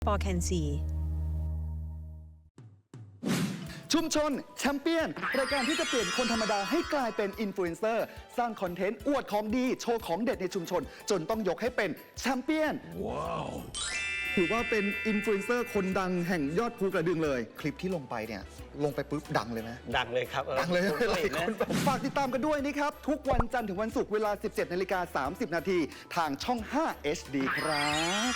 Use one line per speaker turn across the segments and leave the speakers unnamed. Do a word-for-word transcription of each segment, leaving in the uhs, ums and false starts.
ปอแคนซี
ชุมชนแชมเปี้ยนรายการที่จะเปลี่ยนคนธรรมดาให้กลายเป็นอินฟลูเอนเซอร์สร้างคอนเทนต์อวดของดีโชว์ของเด็ดในชุมชนจนต้องยกให้เป็นแชมเปี้ยนว้าวถือว่าเป็นอินฟลูเอนเซอร์คนดังแห่งยอดภูกระดึงเลยคลิปที่ลงไปเนี่ยลงไปปุ๊บดังเลยไหม
ดังเลยครับ
ดังเลยหลายคนฝากติดตามกันด้วยนะครับทุกวันจันทร์ถึงวันศุกร์เวลา สิบเจ็ดนาฬิกาสามสิบนาทีทางช่อง ห้า เอช ดี ครับ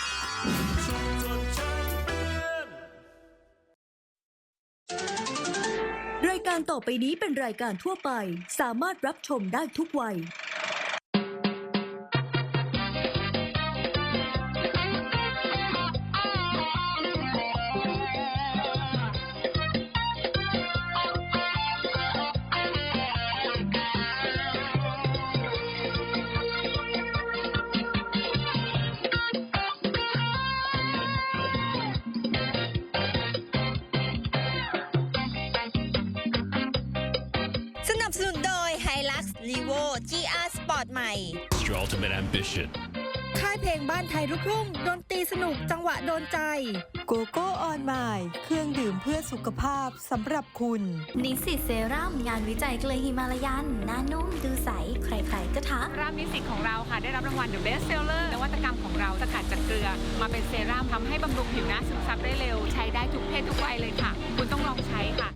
รายการต่อไปนี้เป็นรายการทั่วไปสามารถรับชมได้ทุกวัย
สนับสนุนโดย Hilux Levo จี อาร์ Sport ใหม่
Your ultimate ambition
ค่ายเพลงบ้านไทยลูกทุ่งดนตรีสนุกจังหวะโดนใจ
โกโก้ออนไมล์เครื่องดื่มเพื่อสุขภาพสำหรับคุณ
นิสสิตเซรั่มงานวิจัยเกลือฮิมาลายันหน้านุ่มดูใสใครๆก็ทัก
รามนิสสิตของเราค่ะได้รับรางวัล The Best Seller นวัตกรรมของเราสกัดจากเกลือมาเป็นเซรั่มทำให้บำรุงผิวหน้าซึมซับได้เร็วใช้ได้ทุกเพศทุกวัยเลยค่ะคุณต้องลองใช้ค่ะ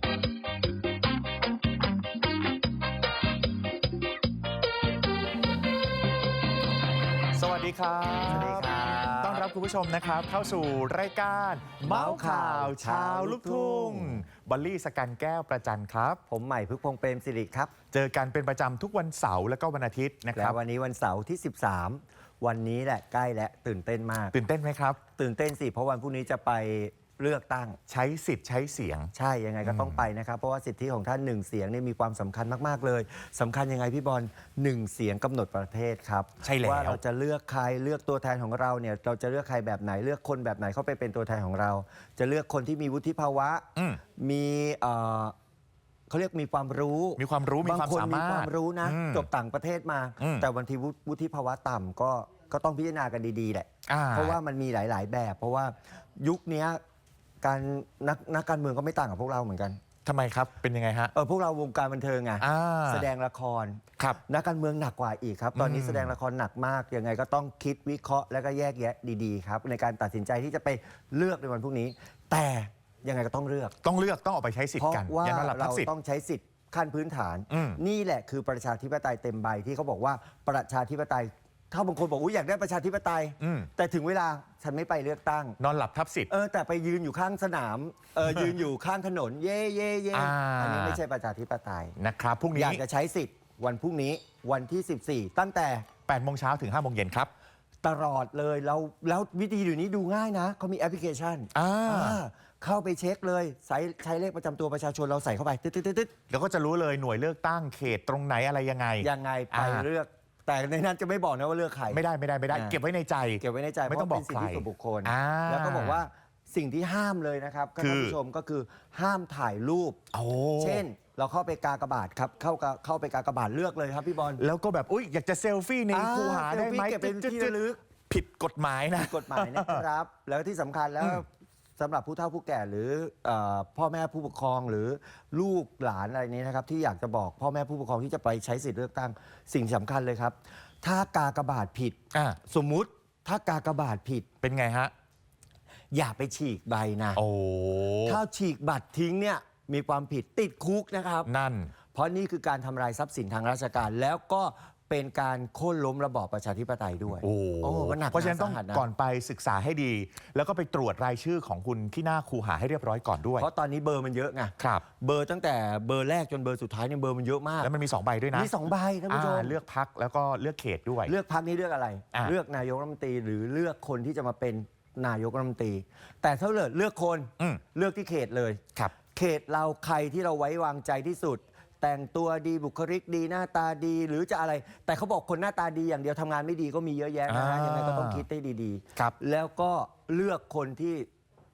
สวัสดีครับ
สวัสดีครับ
ต้อนรับคุณผู้ชมนะครับเข้าสู่รายการเมาส์ข่าวชาวลูกทุ่งบอลลี่สกันแก้วประจันครับ
ผมใหม่พึกพงษ์เปรมสิริครับ
เจอกันเป็นประจำทุกวันเสาร์และก็วันอาทิตย์นะครับ
แล้ววันนี้วันเสาร์ที่สิบสามวันนี้แหละใกล้และตื่นเต้นมาก
ตื่นเต้นไหมครับ
ตื่นเต้นสิเพราะวันพรุ่งนี้จะไปเลือกตั้ง
ใช้สิทธิ์ใช้เสียง
ใช่ยังไงก็ต้องไปนะครับเพราะว่าสิทธิของท่านหนึ่งเสียงนี่มีความสำคัญมากๆเลยสำคัญยังไงพี่บอลหนึ่งเสียงกำหนดประเทศครับ
ใช่แล้ว
ว่าเราจะเลือกใครเลือกตัวแทนของเราเนี่ยเราจะเลือกใครแบบไหนเลือกคนแบบไหนเข้าไปเป็นตัวแทนของเรา จะเลือกคนที่มีวุฒิภาวะมีเขาเรียกมีความรู้
มีความรู้มีความสามารถ
บางคนมีความรู้นะจบต่างประเทศมาแต่วันที่วุฒิภาวะต่ำก็ก็ต้องพิจารณากันดีๆแหละเพราะว่ามันมีหลายๆแบบเพราะว่ายุคนี้การนักนักการเมืองก็ไม่ต่างกับพวกเราเหมือนกัน
ทำไมครับเป็นยังไงฮะ
เออพวกเราวงการบันเทิงไงแสดงละคร
ครับ
นักการเมืองหนักกว่าอีกครับตอนนี้แสดงละครหนักมากยังไงก็ต้องคิดวิเคราะห์แล้วก็แยกแยะดีๆครับในการตัดสินใจที่จะไปเลือกในวันพรุ่งนี้แต่ยังไงก็ต้องเลือก
ต้องเลือกต้องออกไปใช้สิทธิ์กัน
เพราะว่าเราต้องใช้สิทธิ์ขั้นพื้นฐานนี่แหละคือประชาธิปไตยเต็มใบที่เขาบอกว่าประชาธิปไตยถ้าบางคนบอกอยากได้ประชาธิปไตยแต่ถึงเวลาฉันไม่ไปเลือกตั้ง
นอนหลับทับสิทธิ์
เออแต่ไปยืนอยู่ข้างสนามเออยืนอยู่ข้างถนนเย่เย่เย่อันนี้ไม่ใช่ประชาธิปไตย
นะครับพรุ่งนี้
อยากจะใช้สิทธิ์วันพรุ่งนี้วันที่สิบสี่ตั้งแต่
แปดโมงเช้าถึงห้าโมงเย็นครับ
ตลอดเลยแล้วแล้ววิธีอยู่นี้ดูง่ายนะเขามีแอปพลิเคชันเข้าไปเช็คเลยใช้ใช้เลขประจำตัวประชาชนเราใส่เข้าไปตึ๊ดๆ
ๆแล้วก็จะรู้เลยหน่วยเลือกตั้งเขตตรงไหนอะไรยังไง
ยังไงไปเลือกแต่ในนั้นจะไม่บอกนะว่าเลือกใคร
ไม่ได้ไม่ได้ไม่ได้เก็บไว้ในใจ
เก็บไว้ในใจ
ไม่ต้องบอกใคร
เป็นสิทธิส่วนบุคคลแล้วก็บอกว่าสิ่งที่ห้ามเลยนะครับท่านผู้ชมก็คือห้ามถ่ายรูปเช่นเราเข้าไปกากบาทครับเข้าเข้าไปกากบาทเลือกเลยครับพี่บอล
แล้วก็แบบอุ้ยอยากจะเซลฟี่ในคูหาได้ไหม
เก็บเป็นที่ระลึก
ผิดกฎหมายนะ
กฎหมายนะครับแล้วที่สำคัญแล้วสำหรับผู้เฒ่าผู้แก่หรือพ่อแม่ผู้ปกครองหรือลูกหลานอะไรนี้นะครับที่อยากจะบอกพ่อแม่ผู้ปกครองที่จะไปใช้สิทธิเลือกตั้งสิ่งสำคัญเลยครับถ้ากากบาทผิดสมมุติถ้ากากบาทผิด
เป็นไงฮะ
อย่าไปฉีกใบนะ
โอ้
ถ้าฉีกบัตรทิ้งเนี่ยมีความผิดติดคุกนะครับ
นั่น
เพราะนี่คือการทำลายทรัพย์สินทางราชการแล้วก็เป็นการโค่นล้มระบอบประชาธิปไตยด้วย
โอ้โอ้
หนัก
เพราะฉะนั้นต้องก่อนไปศึกษาให้ดีแล้วก็ไปตรวจรายชื่อของคุณที่หน้าคูหาให้เรียบร้อยก่อนด้วย
เพราะตอนนี้เบอร์มันเยอะไง
ครับ
เบอร์ตั้งแต่เบอร์แรกจนเบอร์สุดท้ายเนี่ยเบอร์มันเยอะมาก
แล้วมันมีสองใบด้วยนะ
มีสองใบท่านผู้ชม
เลือกพรรคแล้วก็เลือกเขตด้วย
เลือกพรรคนี้เลือกอะไรเลือกนายกรัฐมนตรีหรือเลือกคนที่จะมาเป็นนายกรัฐมนตรีแต่ถ้าเลือกเลือกคนเลือกที่เขตเลย
ครับ
เขตเราใครที่เราไว้วางใจที่สุดแต่งตัวดีบุคลิกดีหน้าตาดีหรือจะอะไรแต่เขาบอกคนหน้าตาดีอย่างเดียวทำงานไม่ดีก็มีเยอะแยะนะฮะยังไงก็ต้องคิดให้ดีๆแล้วก็เลือกคนที่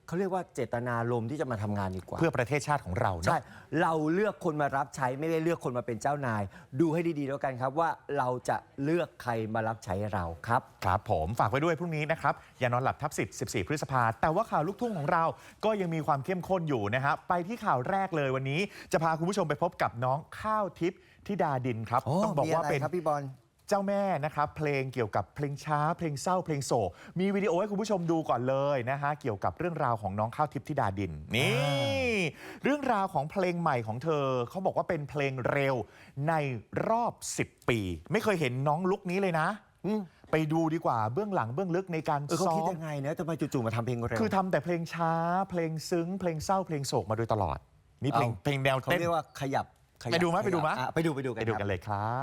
เขาเรียกว่าเจตนารมณ์ที่จะมาทำงานดีกว่า
เพื่อประเทศชาติของเราเนอะ
ใช่ เราเลือกคนมารับใช้ไม่ได้เลือกคนมาเป็นเจ้านาย ดูให้ดีๆแล้วกันครับว่าเราจะเลือกใครมารับใช้เราครับ
ครับผมฝากไว้ด้วยพรุ่งนี้นะครับอย่านอนหลับทับสิบ สิบสี่ พฤษภาแต่ว่าข่าวลูกทุ่งของเราก็ยังมีความเข้มข้นอยู่นะครับไปที่ข่าวแรกเลยวันนี้จะพาคุณผู้ชมไปพบกับน้องข้าวทิพย์ธิดาดินครับต้องบอกว่าเป็น
ครับพี่บอล
เจ้าแม่นะครับเพลงเกี่ยวกับเพลงช้าเพลงเศร้าเพลงโศกมีวิดีโอให้คุณผู้ชมดูก่อนเลยนะฮะเกี่ยวกับเรื่องราวของน้องข้าวทิพย์ธิดาดินนี่เรื่องราวของเพลงใหม่ของเธอเขาบอกว่าเป็นเพลงเร็วในรอบสิบปีไม่เคยเห็นน้องลุคนี้เลยนะไปดูดีกว่าเบื้องหลังเบื้องลึกในการ
เออเขา
ซ้อ
คิด
ม
ยังไงนะทำไมจู่ๆมาทำเพลงเร็ว
คือทำแต่เพลงช้าเพลงซึ้งเพลงเศร้าเพลงโศกมาโดยตลอดนี่เพลง
เอา
เพลงแนว
เขา
เต้น
เรียกว่าขยับขยับ
ไปดูไหมไปดูไหม
อ่ะไปดูไปดูกัน
ไปดู
ครับ
กันเลยครับ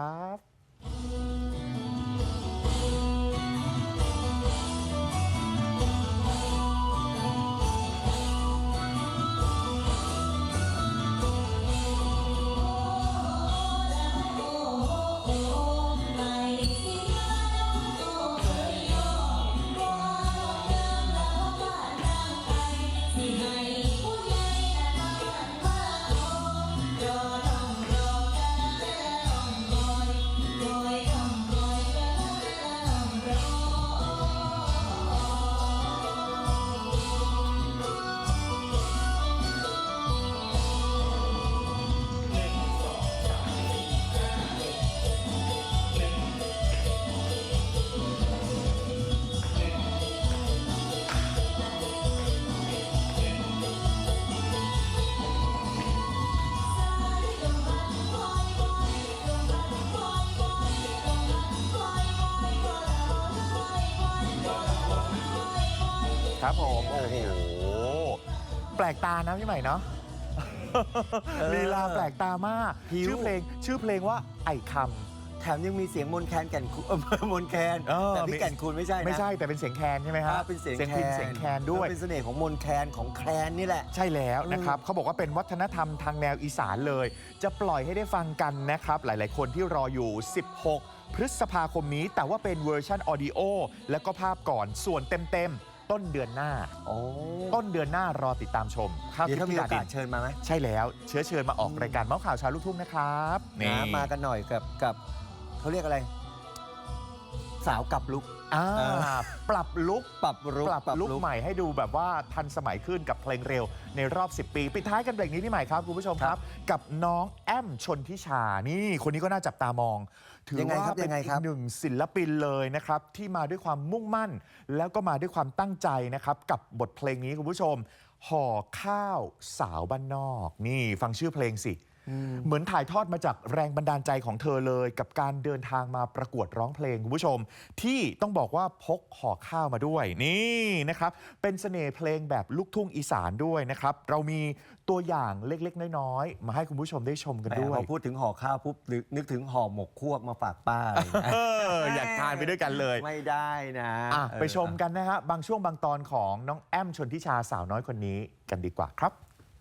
ครับผมโอ้โหแปลกตานะพี่ใหม่เนาะ ลีลาแปลกตามาก
ผิว
ชื่อเพลงชื่อเพลงว่าไอ้ค
แถมยังมีเสียงมนแคนแก่นคูเออมนแคน
เออ
แต่พี่แก่นคูณไม่ใช่
ำ
นะ
ไม่ใช่แต่เป็นเสียงแคนใช่ไหมฮะ
อ่าเป็นเสียง
พิณเสียงแคนด้วย
เป็นเสน่ห์ของมนแคนของแคนนี่แหละ
ใช่แล้วนะครับเขาบอกว่าเป็นวัฒนธรรมทางแนวอีสานเลย จะปล่อยให้ได้ฟังกันนะครับหลายๆ คนที่รออยู่ สิบหก พฤษภาคมนี้ แต่ว่าเป็นเวอร์ชันออดิโอและก็ภาพก่อนส่วนเต็มๆต้นเดือนหน้า
โอ้
ต้นเดือนหน้ารอติดตามชมข้าว
เดี๋ยว
ทิพ
ถ้า
ย์
มี
ธิ
โอ
ดาดิ
กาส
น
เชิญมาไหม
ใช่แล้วเชื้อเชิญมาออกรายการเมาส์ข่าวเชาวลูกทุ่งนะครับนี่
นะมากันหน่อยกับกับเขาเรียกอะไร สาวกับลุก
อ่า
เออ
ปรับลุก
ปรับลุก
ปรับลุกใหม่ให้ดูแบบว่าทันสมัยขึ้นกับเพลงเร็วในรอบ สิบ ปี ปิดท้ายกันเบรกนี้พี่ใหม่ครับคุณผู้ชมครับ กับน้องแอมชนทิชานี่คนนี้ก็น่าจับตามอง ถือ
ยังไง
ว่า
ครับ
เป็น
ยังไง
อี
ครั
ก
บ
หนึ่งศิลปินเลยนะครับที่มาด้วยความมุ่งมั่น แล้วก็มาด้วยความตั้งใจนะครับกับบทเพลงนี้คุณผู้ชมห่อข้าวสาวบ้านนอกนี่ฟังชื่อเพลงสิ เหมือนถ่ายทอดมาจากแรงบันดาลใจของเธอเลยกับการเดินทางมาประกวดร้องเพลงคุณผู้ชม ที่ต้องบอกว่าพกห่อข้าวมาด้วยนี่นะครับเป็นเสน่ห์เพลงแบบลูกทุ่งอีสานด้วยนะครับเรามีตัวอย่างเล็กๆน้อยๆมาให้คุณผู้ชมได้ชมกันด้วย
พอพูดถึงห่อข้าวปุ๊บนึกนึกถึงห่อหมกควบมาฝากป้าอะไรอย่างเงี้ย
เอออยากทานไปด้วยกันเลย
ไม่ได้นะ
อ่ะ
เออ
ไปชมกันนะฮะบางช่วงบางตอนของน้องแอมชนทิชาสาวน้อยคนนี้กันดีกว่าครับ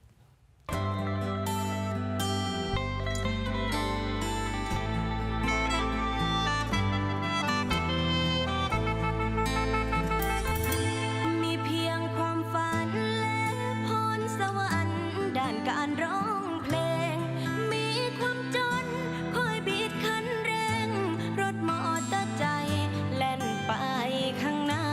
มีเพียงความฝันและพรสวรรค์ด้านการร้องเพลง มีความจนคอยบีดคันเร่ง รถมอเตอร์ใจแล่นไปข้างหน้า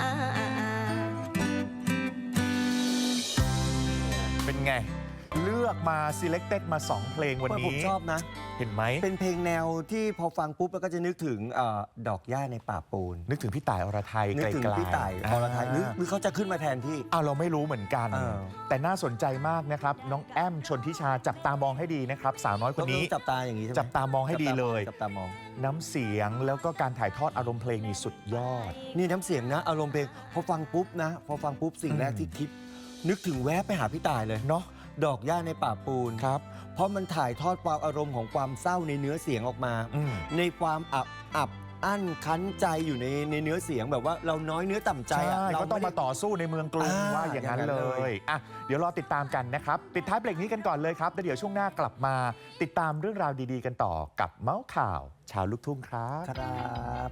เป็นไง เลือกมา selected มา สอง เพลงวัน
ผม
นี้
ชอบนะ
เห็นไหม
เป็นเพลงแนวที่พอฟังปุ๊บแล้วก็จะนึกถึงเอ่อดอกหญ้าในป่าปูน
นึกถึงพี่ต่ายอรไทย
นึกถึง
ไกลๆ
พี่ต่ายอรไทยหรือหรือเขาจะขึ้นมาแทนที่
อ้าวเราไม่รู้เหมือนกัน
เออ
แต่น่าสนใจมากนะครับ น้องแอมชนทิชาจับตามองให้ดีนะครับ สาวน้อยคนนี้
ต้องจับตาอย่างนี้ใช่ไหม
จับตามองให้ดีเลย
จับตามอง
น้ำเสียงแล้วก็การถ่ายทอดอารมณ์เพลงนี่สุดยอด
นี่น้ำเสียงนะ อารมณ์เพลงพอฟังปุ๊บนะ พอฟังปุ๊บสิ่งแรก
อืม
ที่คิด นึกถึงแวะไปหาพี่ต่ายเลย
เนาะ
ดอกหญ้าในป่าปูน
ครับ
เพราะมันถ่ายทอดความอารมณ์ของความเศร้าในเนื้อเสียงออกมา
อืม
ในความอับอับอั้นคั้นใจอยู่ในในเนื้อเสียงแบบว่าเราน้อยเนื้อต่ำใจ
ใช่
อะเรา
ก็ต้อง
ไได้
มาต่อสู้ในเมืองกรุง
อ่า
ว่าอย่างนั้น
อย่างนั้น
เล
เลย ย
อ่ะเดี๋ยวรอติดตามกันนะครับ ปิดท้ายเบรกนี้กันก่อนเลยครับแล้วเดี๋ยวช่วงหน้ากลับมาติดตามเรื่องราวดีๆกันต่อกับเมาส์ข่าว ชาวลูกทุ่งครับ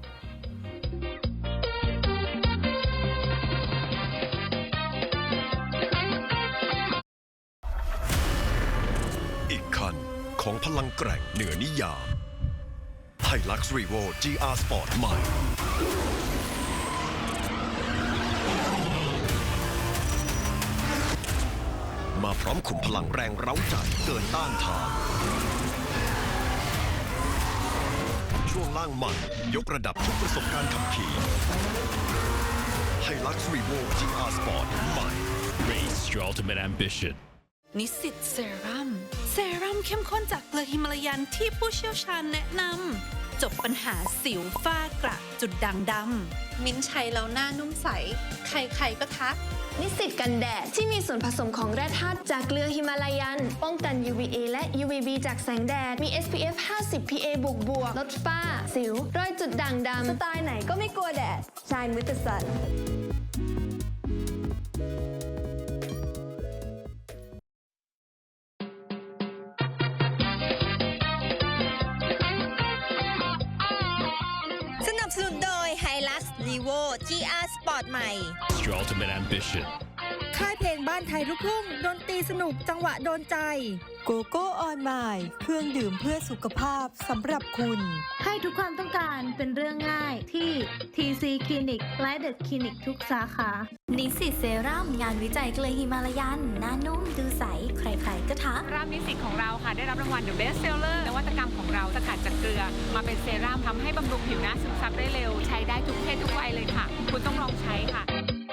ครับ
ของพลังแกร่งเหนือนิยามไฮลักซ์ Revo จี อาร์ Sport ใหม่มาพร้อมขุมพลังแรงเร้าใจเกินต้านทานช่วงล่างมันยกระดับทุกประสบการณ์ขับขี่ไฮลักซ์ Revo จี อาร์ Sport ใหม่
Race your ultimate ambition.
นิสสิตเซรั่มเซรั่มเข้มข้นจากเกลือฮิมาลายันที่ผู้เชี่ยวชาญแนะนำจบปัญหาสิวฝ้ากระจุดด่างดำมิ้นท์ใช้แล้วหน้านุ่มใสใครๆก็ทัก
นิสสิตกันแดดที่มีส่วนผสมของแร่ธาตุจากเกลือฮิมาลายันป้องกัน ยู วี เอ และ ยู วี บี จากแสงแดดมี เอส พี เอฟ ห้าสิบ พี เอ บวกบวกลดฝ้าสิวรอยจุดด่างดำสไตล์ไหนก็ไม่กลัวแดด Shine with the sun
สนับสนุนโดย Hilux Levo จี อาร์ Sport ใหม่
It's your ultimate ambition.
ค่ายเพลงบ้านไทยลูกทุ่งดนตรีสนุกจังหวะโดนใจโกโก้ออนไมล์เครื่องดื่มเพื่อสุขภาพสำหรับคุณ
ให้ทุกความต้องการเป็นเรื่องง่ายที่ ที ซี คลินิกและเดอะคลินิกทุกสาขา
นิสสิตเซรั่มงานวิจัยเกลือฮิมาลายันหน้านุ่มดูใสใครๆก็ทัก
เซรั่มนิสสิตของเราค่ะได้รับรางวัล The Best Seller นวัตกรรมของเราสกัดจากเกลือมาเป็นเซรั่มทำให้บำรุงผิวหน้าซึมซับได้เร็วใช้ได้ทุกเพศทุกวัยเลยค่ะ คุณต้องลองใช้ค่ะ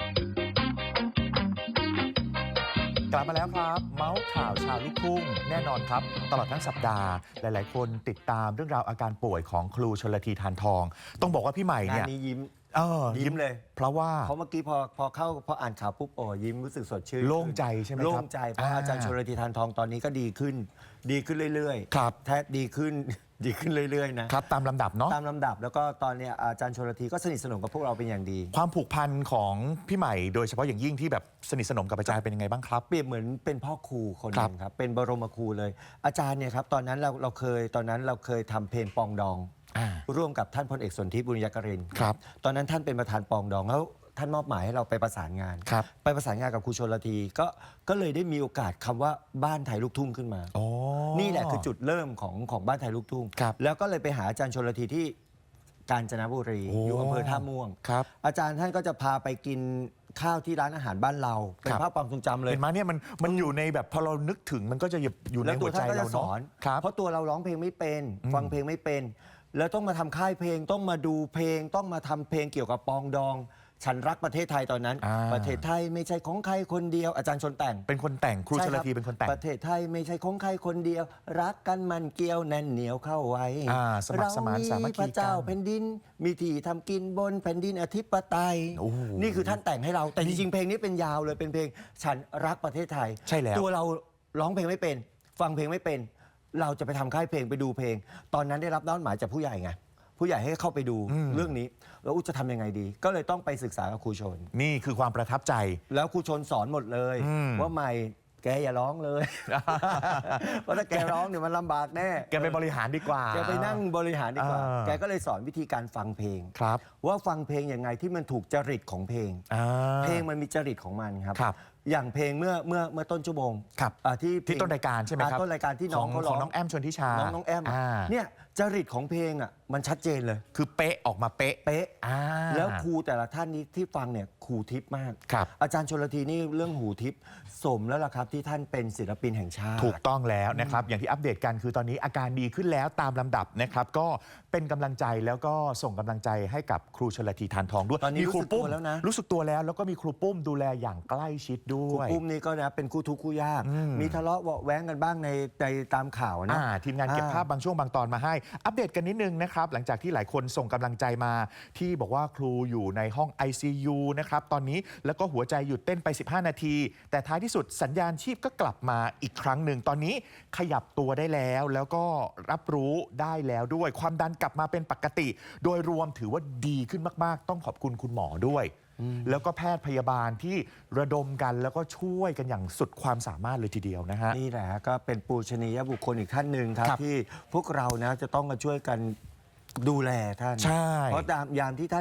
กลับมาแล้วครับ เมาส์ข่าวชาวลูกทุ่งแน่นอนครับ ตลอดทั้งสัปดาห์ หลายๆ คนติดตามเรื่องราวอาการป่วยของครูชลธี ทานทอง ต้องบอกว่าพี่ใหม่เนี่ย
งานนี้ยิ้ม
เออ
ยิ้มเลย
เพราะว่า
เพราะเมื่อกี้พอพอเข้าพออ่านข่าวปุ๊บโอ้ยิ้มรู้สึกสดชื่น
โล่งใจใช่ไหมครับ
โล่งใจเพราะ
อ่า
อาจารย์ชลธี ทานทองตอนนี้ก็ดีขึ้น ดีขึ้นเรื่อยๆ
ครับ
แท้ดีขึ้น ดีขึ้นเรื่อยๆนะครับ
ตามลำดับเนาะ
ตามลำดับแล้วก็ตอนเนี้ยอาจารย์ชลธีก็สนิทสนมกับพวกเราเป็นอย่างดี
ความผูกพันของพี่ใหม่โดยเฉพาะอย่างยิ่งที่แบบสนิทสนมกับอาจารย์เป็นยังไงบ้างครับ
เปรียบเหมือนเป็นพ่อครูคนห
ครั
นึ
บ
งครับเป็นบรมครูเลย อาจารย์เนี่ยครับตอนนั้นเราเราเคยตอนนั้นเราเคยทำเพลงปองดอง
อ่า
ร่วมกับท่านพลเอกสนธิบุญยกรินทร์
ครับ
ตอนนั้นท่านเป็นประธานปองดองแล้วท่านมอบหมายให้เราไปประสานงาน
ครับ
ไปประสานงานกับครูชลธีก็ก็เลยได้มีโอกาสคำว่าบ้านไทยลูกทุ่งขึ้นมา
อ๋อ
นี่แหละคือจุดเริ่มของของบ้านไทยลูกทุ่ง
ครับ
แล้วก็เลยไปหาอาจารย์ชลธีที่กาญจนบุรี
โอ้
อยู่อำเภอท่าม่วง
ครับ
อาจารย์ท่านก็จะพาไปกินข้าวที่ร้านอาหารบ้านเราเป็น
ครับ
ภาพความทรงจำเลย
เห็นไหมเนี่ยมันมันอยู่ในแบบพอเรานึกถึงมันก็จะอยู่ใน
แล้ว
หั
ตัว ว
ใจ
ท่านก็
เรา
จะส
เนาะ
อน
ครับ
เพราะตัวเราร้องเพลงไม่เป็น
อืม
ฟังเพลงไม่เป็น แล้วต้องมาทำค่ายเพลงต้องมาดูเพลงต้องมาทำเพลงเกี่ยวกับปองดอง ฉันรักประเทศไทยตอนนั้น
อ่า
ประเทศไทยไม่ใช่ของใครคนเดียวอาจารย์ชนแต่ง
เป็นคนแต่งครู
ใ
ชลธีเป็นคนแต่ง
ประเทศไทยไม่ใช่ของใครคนเดียว รักกันมันเกี่ยวแน่นเหนียวเข้าไว้
อ่าสมัครสมานสามัคคีกัน
พระเจ้าแผ่นดิน มีที่ทำกินบนแผ่นดินอธิปไตย
โอ้โห
นี่คือท่านแต่งให้เราแต่จริงๆเพลงนี้เป็นยาวเลยเป็นเพลงฉันรักประเทศไทย
ใช่แล้ว
ตัวเราร้องเพลงไม่เป็น ฟังเพลงไม่เป็น เราจะไปทำค่ายเพลงไปดูเพลง ตอนนั้นได้รับมอบหมายจากผู้ใหญ่ไงผู้ใหญ่ให้เข้าไปดูเรื่องนี้แล้วอุ๊ยจะทำยังไงดี ก็เลยต้องไปศึกษากับครูชน
นี่คือความประทับใจ
แล้วครูชนสอนหมดเลย
อืม
ว่าใหม่แกอย่าร้องเลย เพราะถ้าแกร้องเนี่ยมันลำบากแน่
แกไปบริหารดีกว่า
แกไปนั่งบริหารดีกว่า
อ่า
แกก็เลยสอนวิธีการฟังเพลง
ครับ
ว่าฟังเพลงยังไงที่มันถูกจริตของเพลง
อ่า
เพลงมันมีจริตของมันครับ
ครับ
อย่างเพลงเมื่อเมื่อเมื่อต้นชั่วโมง
ครับ
อ่าที่เพล
ที่ต้นรายการใช่ไหมครับ
อ่าต้นรายการที่น้อง
ข
เขา
ข
ร้
อ
อง ง
น้องแอมชนทิชา
น้องน้องแอม
อ่า
เนี่ยจริตของเพลงอ่ะมันชัดเจนเลย
คือเป๊ะออกมาเป๊ะ
เป๊ะ
อ่า
แล้วครูแต่ละท่านนี้ที่ฟังเนี่ยครูทิพย์มาก
ครับ
อาจารย์ชลธีนี่เรื่องหูทิพย์สมแล้วล่ะครับที่ท่านเป็นศิลปินแห่งชาติ
ถูกต้องแล้วนะครับ อย่างที่อัปเดตกันคือตอนนี้อาการดีขึ้นแล้วตามลำดับนะครับ ก็เป็นกำลังใจแล้วก็ส่งกำลังใจให้กับครูชลธี ทานทองด้วย
ตอนนี้
มีครูปุ้ม
รู้สึกตัวแล้วนะ
รู้สึกตัวแล้วแล้วก็มีครูปุ้มดูแลอย่างใกล้ชิดด้
ครู
วย
ปุ้มนี่ก็นะเป็นคู่ทุกข์คู่ยาก
อืม
มีทะเลาะเบาะแว้งกันบ้างในในตามข่าวนะ
อ่าทีมงานเก็บ
อ่า
ภาพบางช่วงบางตอนมาให้ อัปเดตกันนิดนึงนะครับ หลังจากที่หลายคนส่งกำลังใจมาที่บอกว่าครูอยู่ในห้อง ไอ ซี ยู นะครับตอนนี้แล้วก็หัวใจหยุดเต้นไป สิบห้า นาที แต่ท้ายที่สุดสัญญาณชีพก็กลับมาอีกครั้งหนึ่งตอนนี้ขยับตัวได้แล้ว แล้วก็รับรู้ได้แล้วด้วยความดันกลับมาเป็นปกติ โดยรวมถือว่าดีขึ้นมากๆ ต้องขอบคุณคุณหมอด้วย แล้วก็แพทย์พยาบาลที่ระดมกันแล้วก็ช่วยกันอย่างสุดความสามารถเลยทีเดียวนะฮะ
นี่แหละก็เป็นปูชนียบุคคลอีกท่านหนึ่งครับ
ครับ
ที่พวกเรานะจะต้องมาช่วยกันดูแลท่าน
ใช่
เพราะตามยามที่ท่านนั้น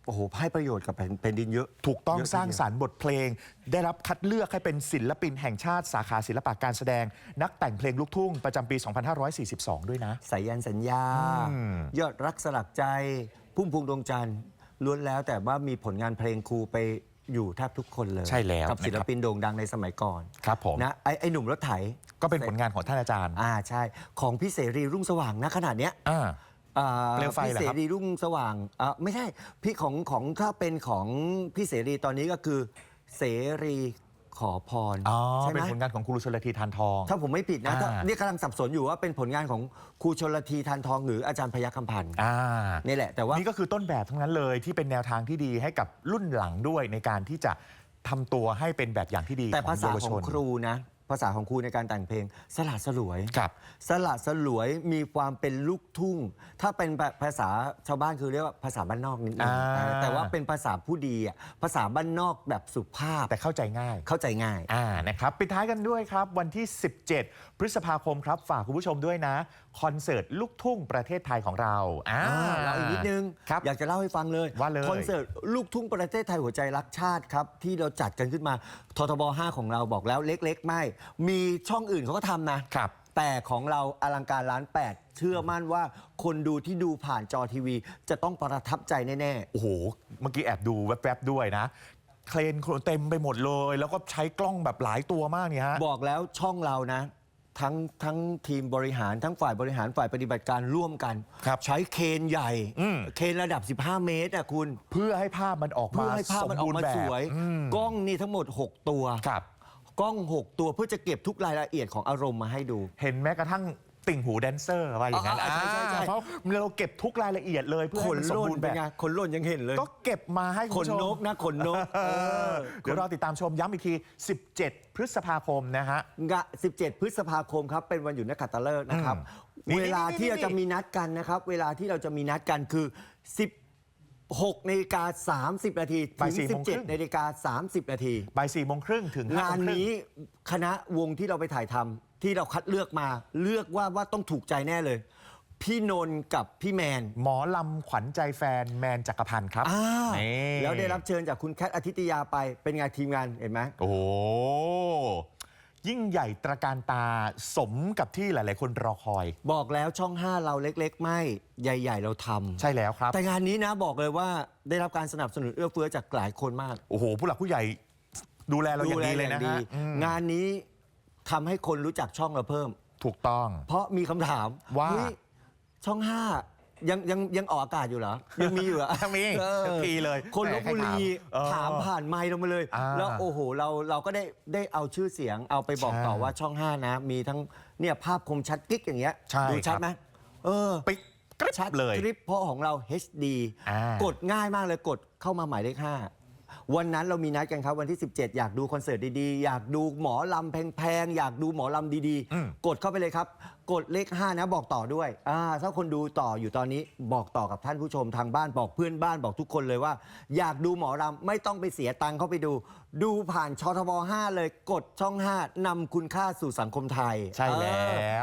โอ้โหให้ประโยชน์กับแผ่นดินเยอะ
ถูกต้อง
เยอะทีเดียว
สร้างสรรค์บทเพลง ได้รับคัดเลือกให้เป็นศิลปินแห่งชาติสาขาศิลปะการแสดง นักแต่งเพลงลูกทุ่งประจำปี สองพันห้าร้อยสี่สิบสอง ด้วยนะ
สายันสัญญา
อืม
ยอดรักสลักใจพุ่มพวงดวงจันทร์ล้วนแล้วแต่ว่ามีผลงานเพลงครูไปอยู่แทบทุกคนเลย
ใช่แล้ว
กับศิลปินโด่งดังในสมัยก่อน
ครับผม
นะไอ้ไอ้หนุ่มรถไถ
ก็เป็นผลงานของท่านอาจารย์
อ่าใช่ของพี่เสรีรุ่งสว่างนะขนาดเนี้ย
อ่า
อ่า
เปลวไฟ
พี่
เหรอ
เส
ครับ
รีรุ่งสว่างอ่าไม่ใช่พี่ของของถ้าเป็นของพี่เสรีตอนนี้ก็คือเสรีขอพร
อ๋อ
ใช่ไห
เป็
ม
นผลงานของครูชลธีทานทอง
ถ้าผมไม่ผิดนะถ้า
อ่า
นี่กำลังสับสนอยู่ว่าเป็นผลงานของครูชลธีทานทองหรืออาจารย์พยัคฆ์คำพันธ์
อ่า
นี่แหละแต่ว่า
นี่ก็คือต้นแบบทั้งนั้นเลยที่เป็นแนวทางที่ดีให้กับรุ่นหลังด้วยในการที่จะทำตัวให้เป็นแบบอย่างที่ดี
แต่ภาษา
เยาว
ข
ช
อง
น
ครูนะภาษาของครูในการแต่งเพลง สละสลวย
ครับ
สละสลวยมีความเป็นลูกทุ่ง ถ้าเป็นภาษาชาวบ้านคือเรียกว่าภาษาบ้านนอกนิดนึง
อ่า
แต่ว่าเป็นภาษาผู้ดีอะภาษาบ้านนอกแบบสุภาพ
แต่เข้าใจง่าย
เข้าใจง่าย
อ่านะครับปิดท้ายกันด้วยครับ วันที่ สิบเจ็ด พฤษภาคมครับ ฝากคุณผู้ชมด้วยนะ คอนเสิร์ตลูกทุ่งประเทศไทยของเราอ่า
อ่าเราอีกนิดนึง
ครับ
อยากจะเล่าให้ฟังเลย
ว่าเลย
คอนเสิร์ตลูกทุ่งประเทศไทยหัวใจรักชาติครับ ที่เราจัดกันขึ้นมาททบห้าของเราบอกแล้วเล็กๆ ไม่ มีช่องอื่นเขาก็ทำนะ
ครับ
แต่ของเราอลังการล้านแปดเชื่อมั่นว่าคนดูที่ดูผ่านจอทีวี จะต้องประทับใจแน่
โอ้โห เมื่อกี้แอบดูแวบๆด้วยนะ เคลนเต็มไปหมดเลย แล้วก็ใช้กล้องแบบหลายตัวมากเนี่ยฮะ
ๆ บอกแล้วช่องเรานะ ทั้งทั้งทีมบริหารทั้งฝ่ายบริหารฝ่ายปฏิบัติการร่วมกัน
ครับ
ใช้เคนใหญ่
อืม
เคนระดับ สิบห้า เมตรอะคุณ
เพื่อให้ภาพมันออกมา
เพื่อให้ภาพมันออกมา
บูรณ์แบบ
สวย
อืม
กล้องนี่ทั้งหมด หก ตัว
ครับ
กล้อง หก ตัวเพื่อจะเก็บทุกรายละเอียดของอารมณ์มาให้ดู
เห็นแม้กระทั่งติ่งหูแดนเซอร์ว่าอย่างนั้น
อ่าใช่ใช่ใช่
อ่าเพราะเราเก็บทุกรายละเอียดเลยเพื่อ
ข
ให้
น
มันสม
ล่น
บูรณ์
เป็
แบ
น
บ
ไงขนล่นยังเห็นเลย
ก็เก็บมาให้คุ
ข
ณ
น
ผู้ชม
นกนะขนนก
เอ
เอ
อ
อ
เดี๋ยวรอติดตามชมย้ำอีกที สิบเจ็ด พฤษภาคมนะฮะ
งะสิบเจ็ด พฤษภาคมครับ เป็นวันหยุดนักขัตฤกษ์นะครับ
อืม
เวลาที่
นี่
เราจะมีนัดกันนะครับ เวลาที่เราจะมีนัดกันคือ สิบหกนาฬิกาสามสิบนาทีถึ
บ่าย
ง
สี่โมงครึ่ง
สิบเจ็ดนาฬิกาสามสิบนาที
บ่ายสี่โมงครึ่งถึงห้
งาน
โมครึ่
นี้คณะวงที่เราไปถ่ายทำที่เราคัดเลือกมา เลือกว่าว่าต้องถูกใจแน่เลย พี่นนท์กับพี่แมน
หมอลำขวัญใจแฟนแมนจักรพันธ์ครับ
อ่า
นี่
แล้วได้รับเชิญจากคุณแคทอาทิตยาไปเป็นไงทีมงานเห็นไหม
โอ้โหยิ่งใหญ่ตระการตาสมกับที่หลาย ๆ คนรอคอย
บอกแล้วช่องห้าเราเล็ก ๆ ไม่ใหญ่ ๆ เราทำ
ใช่แล้วครับ
แต่งานนี้นะบอกเลยว่าได้รับการสนับสนุนเอื้อเฟื้อจากหลายคนมาก
โอ้โห ผู้หลักผู้ใหญ่ดูแลเราอย่างดีเลยนะ
ดูแ
ฮะอืม
งานนี้ทำให้คนรู้จักช่องเราเพิ่ม
ถูกต้อง
เพราะมีคำถาม
ว่า
เฮ้ยช่องห้ายังยังยังออกอากาศอยู่เหรอ ยังมีอยู่เหรอ
ยังมี
เออ
ทุกทีเลย
คนลบบุรี
เออ
ถามผ่านไมค์เรามาเลย
อ่า
แล้วโอ้โหเราเราก็ได้ได้เอาชื่อเสียงเอาไปบอก
ใช่
ต่อว่าช่องห้านะ มีทั้งเนี่ยภาพคมชัดกิ๊กอย่างเงี้ย
ใช่
ดูชัด
ครับ
ไหมเออ
ปิ๊กกริบ
ชัด
เลย
คลิปเพราะของเรา เอช ดี
อ่าก
ดง่ายมากเลยกดเข้ามาหมายเลขห้าวันนั้นเรามีนัดกันครับวันที่ สิบเจ็ด อยากดูคอนเสิร์ตดีๆ อยากดูหมอลำแพงๆ อยากดูหมอลำดี
อืม
ๆ กดเข้าไปเลยครับ กดเลขห้านะบอกต่อด้วยอ่าถ้าคนดูต่ออยู่ตอนนี้บอกต่อกับท่านผู้ชมทางบ้านบอกเพื่อนบ้านบอกทุกคนเลยว่า อยากดูหมอลำไม่ต้องไปเสียตังค์เข้าไปดู ดูผ่านชทบห้าเลยกดช่องห้านำคุณค่าสู่สังคมไทย
ใช่แล้ว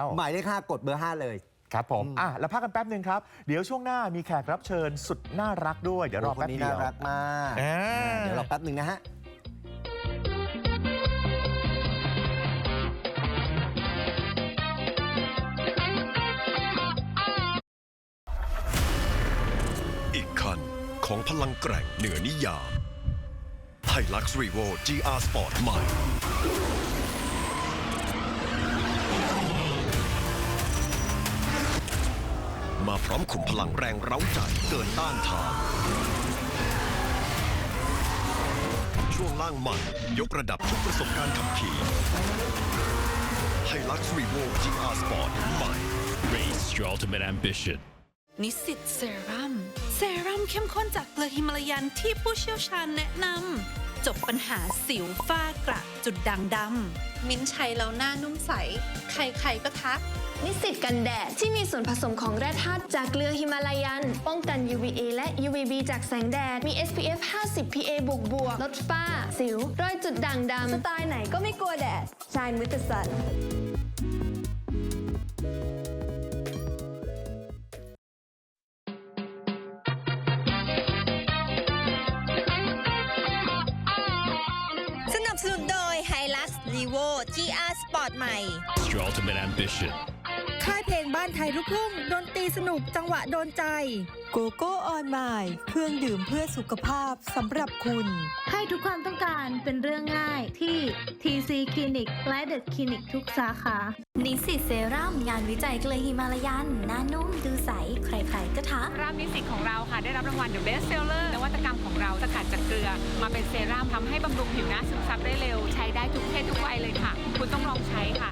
เออหมายเลขห้ากดเบอร์ห้าเลย
ครับผมอ่ะแล้วพักกันแป๊บหนึ่งครับ เดี๋ยวช่วงหน้ามีแขกรับเชิญสุดน่ารักด้วย เดี๋ยวรอ
โอ้ค
แป๊
น
บ
นี้
เดีย
น่าว รักมาก
อ่า
เดี๋ยวรอแป๊บหนึ่งนะฮะ
อีกคันของพลังแกร่งเหนือนิยามไฮลักซ์รีโว จี อาร์ Sport ใหม่ มาพร้อมขุมพลังแรงเร้าใจเกินต้านทาน ช่วงล่างใหม่ยกระดับทุกประสบการณ์ขับขี่ไฮลักซ์รีโว จี อาร์ Sport ใหม่
Race your ultimate ambition.
นิสสิตเซรั่มเซรั่มเข้มข้นจากเกลือฮิมาลายันที่ผู้เชี่ยวชาญแนะนำจบปัญหาสิวฝ้ากระจุดด่างดำมิ้นท์ใช้แล้วหน้านุ่มใส ใครๆก็ทัก
นิสสิตกันแดดที่มีส่วนผสมของแร่ธาตุจากเกลือฮิมาลายัน ป้องกัน ยู วี เอ และ ยู วี บี จากแสงแดด มี เอส พี เอฟ ห้าสิบ พี เอ บวกบวกลดฝ้า สิว รอยจุดด่างดำ สไตล์ไหนก็ไม่กลัวแดด Shine with the sun
โดย Hilux Levo จี อาร์ Sport ใหม่
It's your ultimate ambition.
ค่ายเพลงบ้านไทยลูกทุ่งดนตรีสนุกจังหวะโดนใจโกโก้ออนไมล์เครื่องดื่มเพื่อสุขภาพสำหรับคุณ
ให้ทุกความต้องการเป็นเรื่องง่ายที่ ที ซี Clinic และ The Clinic ทุกสาขา
นิสิตเซรั่มงานวิจัยเกลือฮิมาลายันหน้านุ่มดูใสใครๆก็ทัก
รามนิสิตของเราค่ะได้รับรางวัล The Best Seller นวัตกรรมของเราสกัดจากเกลือมาเป็นเซรั่มทำให้บำรุงผิวหน้าซึมซับได้เร็วใช้ได้ทุกเพศทุกวัยเลยค่ะ คุณต้องลองใช้ค่ะ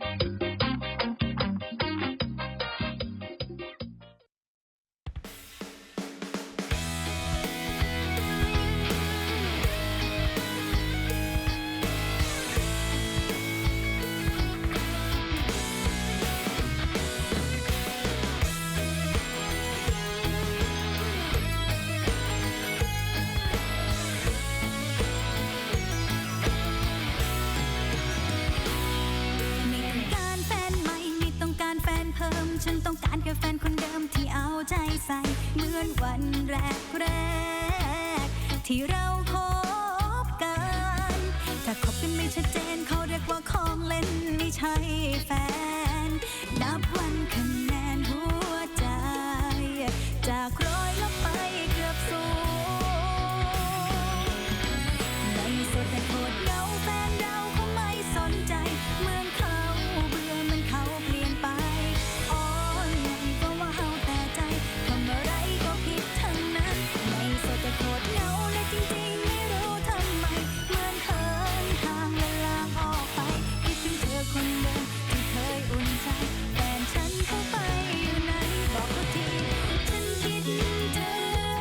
ฉันต้องการแค่แฟนคนเดิมที่เอาใจใส่เหมือนวันแรกแรกที่เราคบกันถ้าคบกันไม่ชัดเจนเขาเรียกว่าของเล่นไม่ใช่แฟนนับวันคะแนนหัวใจจากร้อยลงไปเกือบศูนย์ในสุดแต่โคตรเหงาแฟนเราเขาไม่สนใจเหมือนเขาเบื่อเหมือนเขาเปลี่ยนไปแต่โคตรเหงาและจริงๆไม่รู้ทำไมเหมือนเขินห่างเวลาออกไปคิดถึงเธอคนเดิมที่เคยอุ่นใจแฟนฉันเข้าไปอยู่ไหนบอกเขาทีฉันคิดเธอ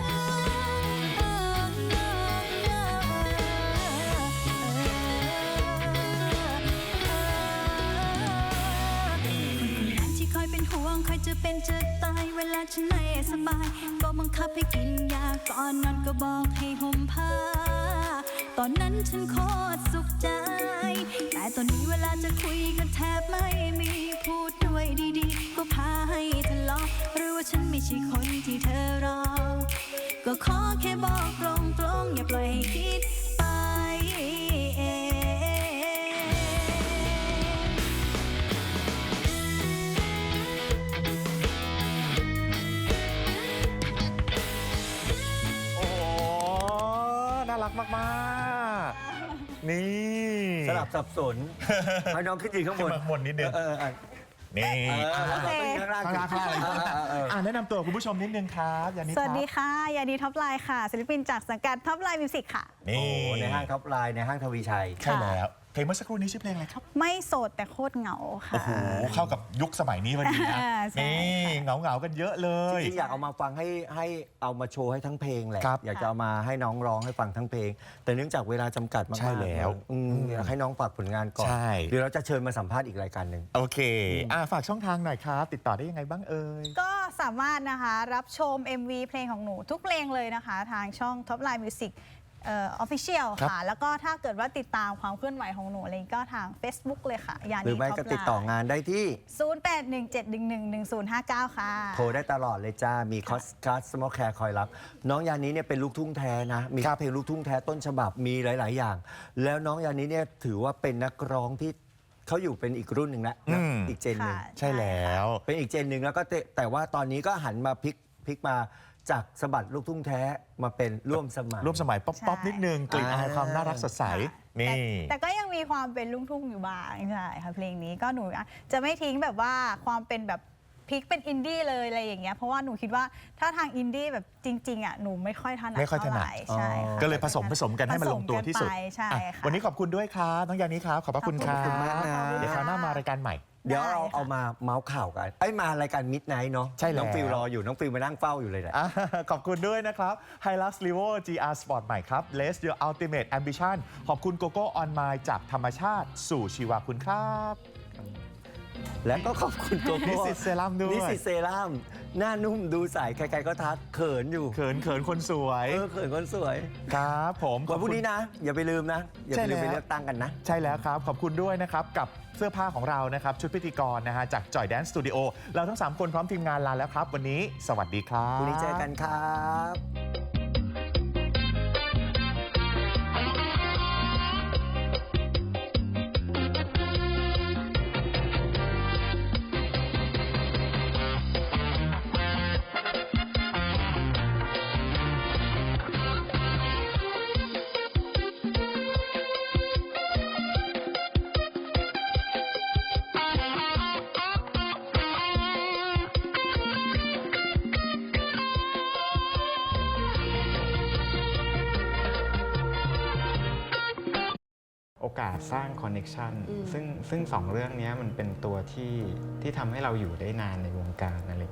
ที่คอยเป็นห่วงคอยจะเป็นจะตายเวลาฉันไม่สบายก็บังคับให้กินยาก่อนนอนก็บอกให้ห่มผ้าตอนนั้นฉันโคตรสุขใจแต่ตอนนี้เวลาจะคุยกันแทบไม่มีพูดด้วยดีๆก็พาให้ทะเลาะหรือว่าฉันไม่ใช่คนที่เธอรอก็ขอแค่บอกตรงๆอย่าปล่อยให้คิดไปเอง
น่ารักมากๆนี่
สลับสับสนให้น้องขึ้นยืนข้างบน
ข้างบนนิดนึง
เออ
นี่
โอเคข้างล่าง
ข้างล่างข้างล่างอ่าแนะนำตัวคุณผู้ชมนิดนึงครับยานิ
สวัสดีค่ะยานีท็อปไลน์ค่ะศิลปินจากสังกัดท็อปไลน์มิวสิกค่ะ
นี่
ในห้างท็อปไลน์ในห้างทวีชัย
ใช่แล้วเพลงเมื่อสักครู่นี้ชื่อเพลงอะไรครับ
ไม่โสดแต่โคตรเหงาค่ะ
โอ้โหเข้ากับยุคสมัยนี้พอดีนะนี่เหงาเหงากันเยอะเลย
จริงๆอยากเอามาฟังให้ให้เอามาโชว์ให้ทั้งเพลงแหละอยากจะเอามาให้น้องร้องให้ฟังทั้งเพลงแต่เนื่องจากเวลาจำกัดมากๆ
ใช่แล้ว
อยากให้น้องฝากผลงานก่อนเดี๋ยวเราจะเชิญมาสัมภาษณ์อีกรายการหนึ่ง
โอเคอ่าฝากช่องทางหน่อยครับติดต่อได้ยังไงบ้างเอ่ย
ก็สามารถนะคะรับชม เอ็ม วี เพลงของหนูทุกเพลงเลยนะคะทางช่อง Top Line Music เอ่อ Official ค่ะแล้วก็ถ้าเกิดว่าติดตามความเคลื่อนไหวของหนูอะไรก็ทาง Facebook เลยค่ะยานี
หรือไม่ก็ติดต่องานได้ที่
ศูนย์ แปด หนึ่ง เจ็ด หนึ่ง หนึ่ง หนึ่ง ศูนย์ ห้า เก้า ค่ะ
โทรได้ตลอดเลยจ้ามีคอสคัสสมอลแคร์คอยรับน้องยานี้เนี่ยเป็นลูกทุ่งแท้นะมีเพลงลูกทุ่งแท้ต้นฉบับมีหลาย ๆ อย่าง แล้วน้องยานี้เนี่ยถือว่าเป็นนักร้องที่เขาอยู่เป็นอีกรุ่นหนึ่งแล้วอีกเจนหนึ่ง
ใช่แล้ว
เป็นอีกเจนหนึ่งแล้วก็แต่ว่าตอนนี้ก็หันมาพลิกพลิกมาจากสะบัดลูกทุ่งแท้มาเป็นร่วมสมัย
ร่วมสมัยป๊อปๆนิดนึงกลิ่นอายความน่ารักสดใสนี่
แต่ก็ยังมีความเป็นลูกทุ่งอยู่บ้างใช่ค่ะเพลงนี้ก็หนูจะไม่ทิ้งแบบว่าความเป็นแบบพลิกเป็นอินดี้เลยอะไรอย่างเงี้ยเพราะว่าหนูคิดว่าถ้าทางอินดี้แบบจริงๆอ่ะหนูไม่ค่อยถนัด
ไม่ค่อยถนัด
ใช่
ก็เลยผสมผสมกันให้มันลงตัวที่สุด
ใช่ค่ะ
วันนี้ขอบคุณด้วยครับน้องยานี้ครับขอบพระคุณครับ
เดี๋
ยวคราวหน้ามารายการใหม่
เดี๋ยวเราเอามาเมาส์ข่าวกันไอ้มารายการมิดไนท์เนาะ
ใช่แล้ว
น้องฟิลรออยู่น้องฟิลมานั่งเฝ้าอยู่เลยแหละ
ขอบคุณด้วยนะครับ Hilux Levo จี อาร์ Sport ใหม่ครับ Raise Your Ultimate Ambition ขอบคุณโกโก้ออนไมล์จากธรรมชาติสู่ชีวาคุณครับ
และก็ขอบคุณโกโก้
นิสิตเซรั่มด้วย
นิสิตเซรั่มหน้านุ่มดูใสใครๆก็ทักเขินอยู่
เขินเขินคนสวย
เออเขินคนสวย
ครับผม
วันพรุ่งนี้นะอย่าไปลืมนะอย่าไปลืมไปเลือกตั้งกันนะ
ใช่แล้วครับขอบคุณด้วยนะครับกับเสื้อผ้าของเรานะครับชุดพิธีกรนะฮะจากจอยแดนซ์สตูดิโอเราทั้งสามคนพร้อมทีมงานลาแล้วครับวันนี้สวัสดีครับ
พรุ่งนี้เจอกันครับ
โอกาสสร้างคอนเน็ชันซึ่งซึ่งสองเรื่องนี้มันเป็นตัวที่ที่ทำให้เราอยู่ได้นานในวงการอะไร